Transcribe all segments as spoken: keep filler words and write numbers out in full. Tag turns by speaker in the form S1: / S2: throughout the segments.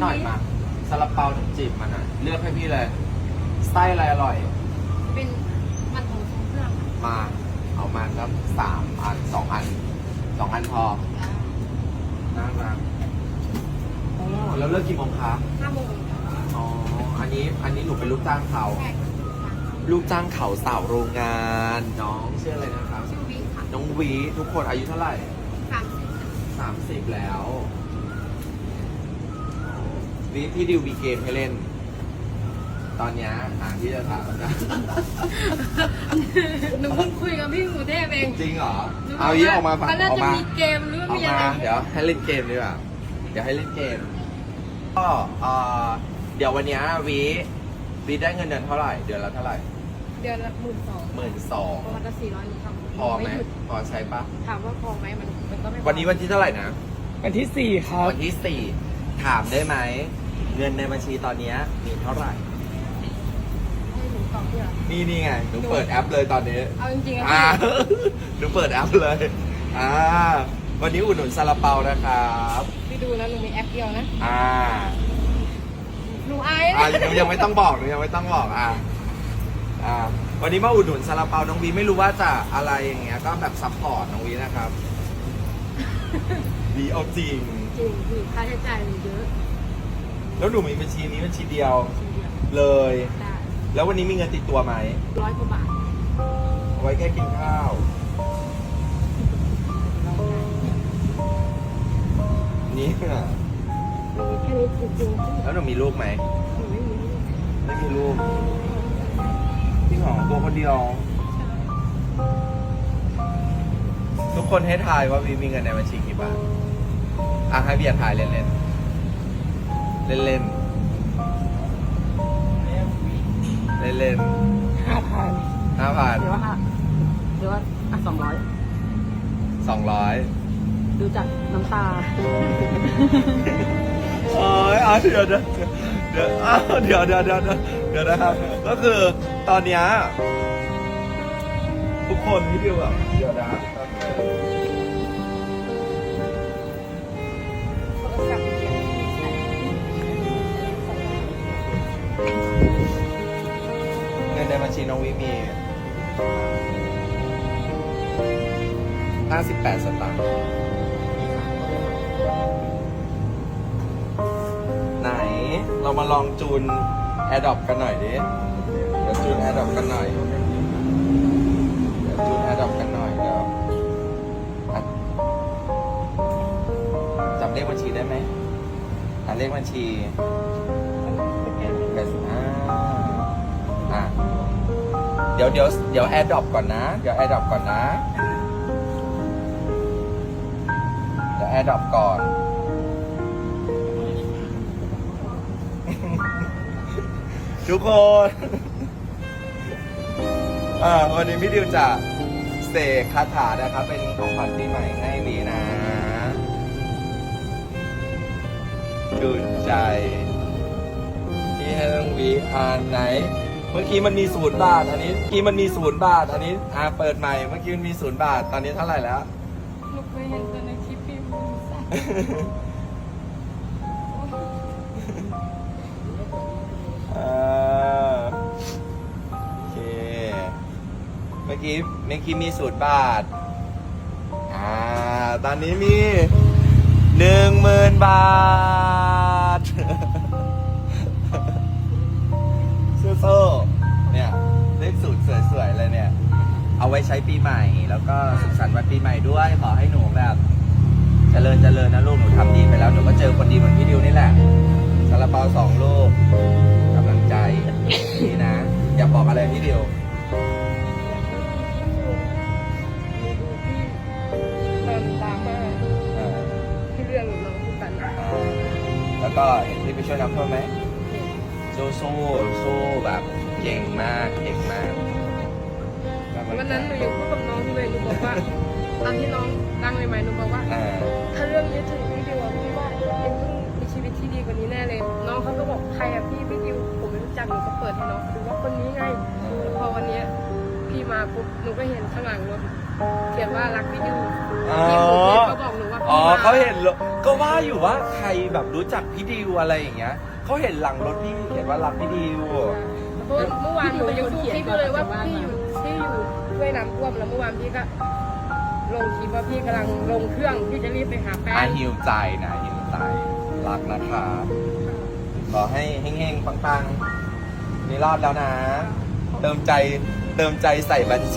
S1: หน่อยมาซาลาเปาถึงจีบมันอ่ะเลือกให้พี่เลยไส้อะไรอร่อย
S2: เป็นมันของทรงเครื่อง
S1: มาเอามาสักสามอันสองอันสองอันพอน่ารักโอ้แล้วเลิกกี่โมงคะ
S2: ห้าโมง
S1: อ๋ออันนี้อันนี้หนูเป็นลูกจ้างเขาลูกจ้างเขาสาวโรงงานน้องชื่ออะไรนะครับ
S2: ชื่อวิค่ะ
S1: น้องวีทุกคนอายุเท่าไหร่
S2: สามสิบ
S1: สามสิบแล้ววีพี่ดิวมีเกมให้เล่น ตอนเนี้ยหาที่จะถามนะ
S2: หนูเพิ่งคุยกับพี่หมูเทพเอง
S1: จริงเหรอเอายี่ออกมาฝั่ง
S2: เขาน่า
S1: ออก
S2: จะ
S1: มา
S2: มีเกมหรือ
S1: ออก
S2: มีอะไร
S1: มาเดี๋ยวให้เล่นเกมดีกว่าเดี๋ยวให้เล่นเกมก็เอ่อเดี๋ยววันเนี้ยวีวีได้เงินเดือนเท่าไหร่เดือนละเท่าไหร่
S2: เดือนละหมื่นสอง
S1: หมื่นสอง
S2: ประมาณละสี่ร้อยหนูทำ
S1: พอไหม
S2: ยุด
S1: พอใช้ปะ
S2: ถามว่าพอไหมมันมันก็ไม่พอ
S1: วันนี้วันที่เท่าไหร่นะ
S3: วันที่สี่ครับ
S1: วันที่สี่ถามได้ไหมเงินในบัญชีตอนเนี้ยมีเท่าไหร่
S2: ให้หนูตอบเพื่อ
S1: นี่นี่ไงหนูเปิดแอปเลยตอนนี้
S2: เอาจริงๆอะ
S1: อ่า
S2: พี่
S1: หนูเปิดแอปเลยอ่าวันนี้อุดหนุนซาลาเปานะครับ
S2: พี่ดูนะหนูมีแอปเดียวนะ
S1: อ่า
S2: หนูอาย
S1: อ่า
S2: นะ
S1: หนูยังไม่ต้องบอกหนูยังไม่ต้องบอกอ่าอ่าวันนี้มาอุดหนุนซาลาเปาน้องวีไม่รู้ว่าจะอะไรอย่างเงี้ยก็แบบซัพพอร์ตน้องวีนะครับวีเอาจริง
S2: จริงพี่ค่าใช้จ่ายมันเยอะ
S1: แล้วหนูมีบัญชีนี้บัญชีเดียว
S2: ทีเดียว
S1: เลย
S2: ได้
S1: แล้ววันนี้มีเงินติดตัวไหม
S2: ร้อยกว่าบาท
S1: เอาไว้แค่กินข้าว นี่น่ะ
S2: มีแค่นี้จริงๆพี่
S1: แล้วหนูมีลูกไหม
S2: หนูไม่มีลูก
S1: ไม่มีลูกพี่ของตัวคนเดียว ทุกคนให้ทายว่าวีมีเงินในบัญชีกี่บาทอ่ะให้เบียร์ทายเล่นๆ เล่นๆ เล่นๆเล่น
S3: ห้าพัน
S1: ๆห้าพัน
S3: หรือว่าห้าหรือว่าอ่ะสองร้อย
S1: สองร้อย
S3: ดูจากน้ำตา
S1: โอ้ยอ่ะเดี๋ยวเดี๋ยวเดี๋ยวอ้าวเดี๋ยวเดี๋ยวเดี๋ยวเดี๋ยวเดี๋ยวนะครับ ก็คือตอนเนี้ยทุกคนที่ดิวแบบเดี๋ยวนะ
S2: โทรศัพท์เดียวใช้
S1: เงินในบัญชีน้องวิมีห้าสิบแปดสตางค์ไหนเรามาลองจูน AirDrop กันหน่อยดิเดี๋ยวจูน AirDrop กันหน่อยเดี๋ยวจูน AirDrop กันหน่อยเดี๋ยวอ่ะจำเลขบัญชีได้ไหมอ่ะเลขบัญชีแปดสิบห้าอ่ะเดี๋ยวเดี๋ยวเดี๋ยว AirDrop ก่อนนะ เดี๋ยว AirDrop ก่อนนะ เดี๋ยว AirDrop ก่อน ทุกคน อ่าวันนี้พี่ดิวจะเสกคาถานะครับ เป็นของขวัญปีใหม่ให้วีนะดูใจที่ให้น้องวีอ่านไหน เมื่อกี้มันมีศูนย์บาท อันนี้เมื่อกี้มันมีศูนย์บาท อันนี้อ่าเปิดใหม่ เมื่อกี้มันมีศูนย์บาท ตอนนี้เท่าไหร่แล้ว
S2: หนูเคยเห็นแต่ในคลิปพี่มูซ่า
S1: อ่าโอเค เมื่อกี้เมื่อกี้มีศูนย์บาท อ่า ตอนนี้มีหนึ่งหมื่นบาท โซ่ๆเนี่ยเลขสูตรสวยๆเลยเนี่ย เอาไว้ใช้ปีใหม่ แล้วก็สุขสันต์วันปีใหม่ด้วย ขอให้หนูแบบเจริญเจริญนะลูก หนูทำดีไปแล้ว หนูก็เจอคนดีเหมือนพี่ดิวนี่แหละซาลาเปาสองลูกกำลังใจนี่นะ อย่าบอกอะไรพี่ดิว
S2: ตอนดราม่า
S1: อ่า
S2: ที่เรื่องน้องผู้กันนะ
S1: อ่าแล้วก็เห็นที่ไปช่วยน้ำท่วมไหมสู้สู้สู้แบบเก่งมากเก่งมากกำลังใจ
S2: วันนั้นหนูยังพูดกับน้องเลยหนูบอกว่าตอนที่น้องดังใหม่ๆหนูบอกว่า
S1: อ่า
S2: ถ้าเรื่องนี้ถึงพี่ดิวอะพี่ว่าเอ็มต้องมีชีวิตที่ดีกว่านี้แน่เลย น้องเขาก็บอกใครอะพี่พี่ดิวผมไม่รู้จักหนูก็เปิดให้น้องดูว่าคนนี้ไงแล้วพอวันเนี้ยพี่มาปุ๊บหนูก็เห็นข้างหลังรถเขียนว่ารักพี่ดิว
S1: อ๋อ
S2: พี่ผมเนี่ยเขาบอกหนูว่า
S1: อ๋อเขาเห็นรถก็ว่าอยู่ว่าใครแบบรู้จักพี่ดิวอะไรอย่างเงี้ยเขาเห็นหลังรถพี่เขียนว่ารักพี่ดิว
S2: เพราะว่าเมื่อวานหนูยังดูคลิปอยู่เลยว่าพี่อยู่ที่อยู่ช่วยน้ำท่วมแล้วเมื่อวานพี่ก็ลงคลิปว่าพี่กำลังลงเครื่องพี่จะรีบไปหาแฟ
S1: อาน หิวใจนะหิวใจรักนะคะขอให้เฮงๆปังๆนี่รอดแล้วนะ เติมใจเติมใจใส่บัญชี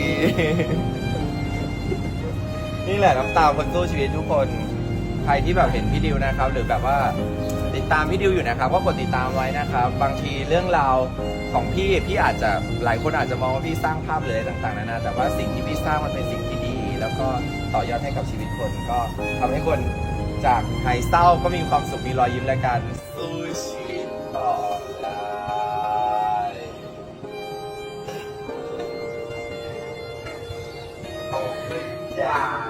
S1: นี่แหละน้ำตาคนสู้ชีวิตทุกคน ใครที่แบบเห็นพี่ดิวนะครับ หรือแบบว่าติดตามพี่ดิวอยู่นะครับ ก็กดติดตามไว้นะครับ บางทีเรื่องราวของพี่พี่อาจจะหลายคนอาจจะมองว่าพี่สร้างภาพหรืออะไรต่างๆนานาแต่ว่าสิ่งที่พี่สร้างมันเป็นสิ่งที่ดี แล้วก็ต่อยอดให้กับชีวิตคนก็ทำให้คนจากหายเศร้าก็มีความสุขมีรอยยิ้มและการสู้ชีวิตต่อได้จ้า